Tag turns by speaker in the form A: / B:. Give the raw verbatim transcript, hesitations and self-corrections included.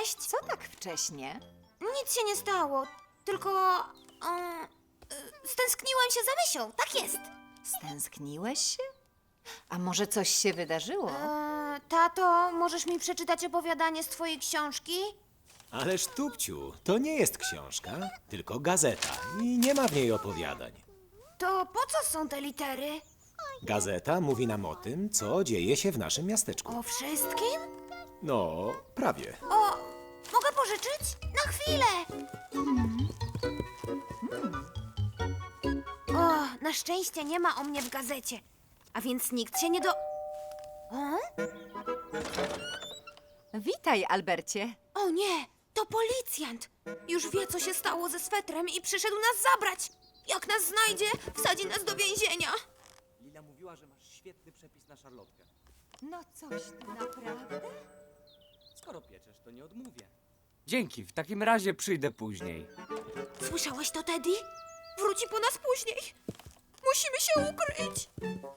A: Cześć!
B: Co tak wcześnie?
A: Nic się nie stało, tylko... Um, y, stęskniłem się za Mysią, tak jest.
B: Stęskniłeś się? A może coś się wydarzyło?
A: E, tato, możesz mi przeczytać opowiadanie z twojej książki?
C: Ależ Tupciu, to nie jest książka, tylko gazeta i nie ma w niej opowiadań.
A: To po co są te litery?
C: Gazeta mówi nam o tym, co dzieje się w naszym miasteczku.
A: O wszystkim?
C: No, prawie.
A: O, mogę pożyczyć? Na chwilę! O, na szczęście nie ma o mnie w gazecie. A więc nikt się nie do... O?
B: Witaj, Albercie.
A: O nie, to policjant. Już wie, co się stało ze swetrem i przyszedł nas zabrać. Jak nas znajdzie, wsadzi nas do więzienia.
D: Lila mówiła, że masz świetny przepis na szarlotkę.
B: No coś tu naprawdę?
D: Skoro pieczesz, to nie odmówię. Dzięki, w takim razie przyjdę później.
A: Słyszałeś to, Teddy? Wróci po nas później. Musimy się ukryć.